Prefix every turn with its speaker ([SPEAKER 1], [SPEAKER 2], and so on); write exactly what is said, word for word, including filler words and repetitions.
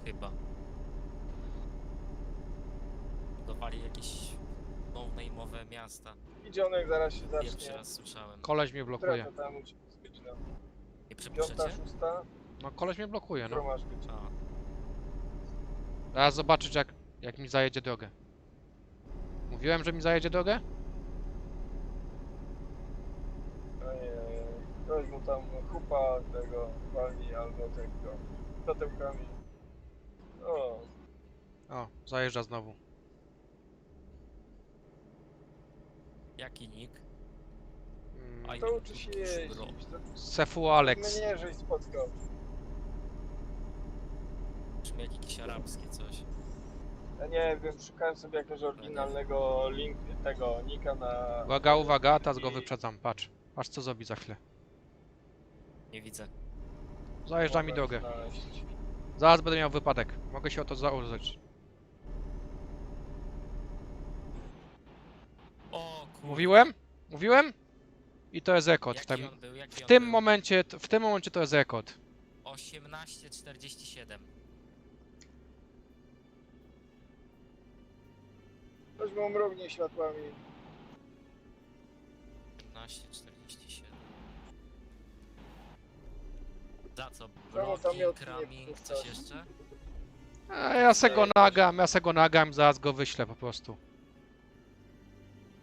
[SPEAKER 1] Chyba. Budowali jakieś no-name'owe miasta.
[SPEAKER 2] Idzionek zaraz się
[SPEAKER 1] Pierwszy
[SPEAKER 2] zacznie.
[SPEAKER 1] raz słyszałem.
[SPEAKER 3] Koleś mnie
[SPEAKER 2] Która
[SPEAKER 3] blokuje.
[SPEAKER 2] to tam musi być, no.
[SPEAKER 1] Nie
[SPEAKER 2] Piąta,
[SPEAKER 1] przypuszczacie?
[SPEAKER 2] szósta?
[SPEAKER 3] No koleś mnie blokuje,
[SPEAKER 2] Którą
[SPEAKER 3] no.
[SPEAKER 2] masz być?
[SPEAKER 1] A,
[SPEAKER 3] Zaraz zobaczyć jak, jak mi zajedzie drogę. Mówiłem, że mi zajedzie drogę?
[SPEAKER 2] Ojej, ktoś mu tam chupa tego walni albo tego totemkami. O,
[SPEAKER 3] O, zajeżdża znowu.
[SPEAKER 1] jaki nick?
[SPEAKER 3] Mm,
[SPEAKER 1] Aj.
[SPEAKER 2] to uczy się jeździć. To
[SPEAKER 3] Sefu Alex.
[SPEAKER 2] mnie żeś spotkał.
[SPEAKER 1] Brzmi jak jakiś arabski coś.
[SPEAKER 2] Ja nie wiem, szukałem sobie jakiegoś oryginalnego link tego nika na...
[SPEAKER 3] Uwaga, uwaga, teraz go wyprzedzam, patrz. Patrz co zrobi za chwilę.
[SPEAKER 1] Nie widzę.
[SPEAKER 3] Zajeżdża mi drogę. Zaraz będę miał wypadek. Mogę się o to założyć.
[SPEAKER 1] O kurde.
[SPEAKER 3] Mówiłem? Mówiłem? I to jest rekord. W
[SPEAKER 1] Jaki
[SPEAKER 3] tym,
[SPEAKER 1] on był? Jaki
[SPEAKER 3] w
[SPEAKER 1] on
[SPEAKER 3] tym
[SPEAKER 1] był?
[SPEAKER 3] momencie, w tym momencie to jest rekord.
[SPEAKER 1] osiemnaście czterdzieści siedem.
[SPEAKER 2] Ktoś mu mrugnie światłami.
[SPEAKER 1] osiemnaście czterdzieści siedem. Za co?
[SPEAKER 2] Czemu tam
[SPEAKER 1] Bloki,
[SPEAKER 2] miotnie
[SPEAKER 1] kraming,
[SPEAKER 2] wpuszczasz?
[SPEAKER 1] coś jeszcze?
[SPEAKER 3] A ja se go nagam, ja se go nagam, zaraz go wyślę po prostu.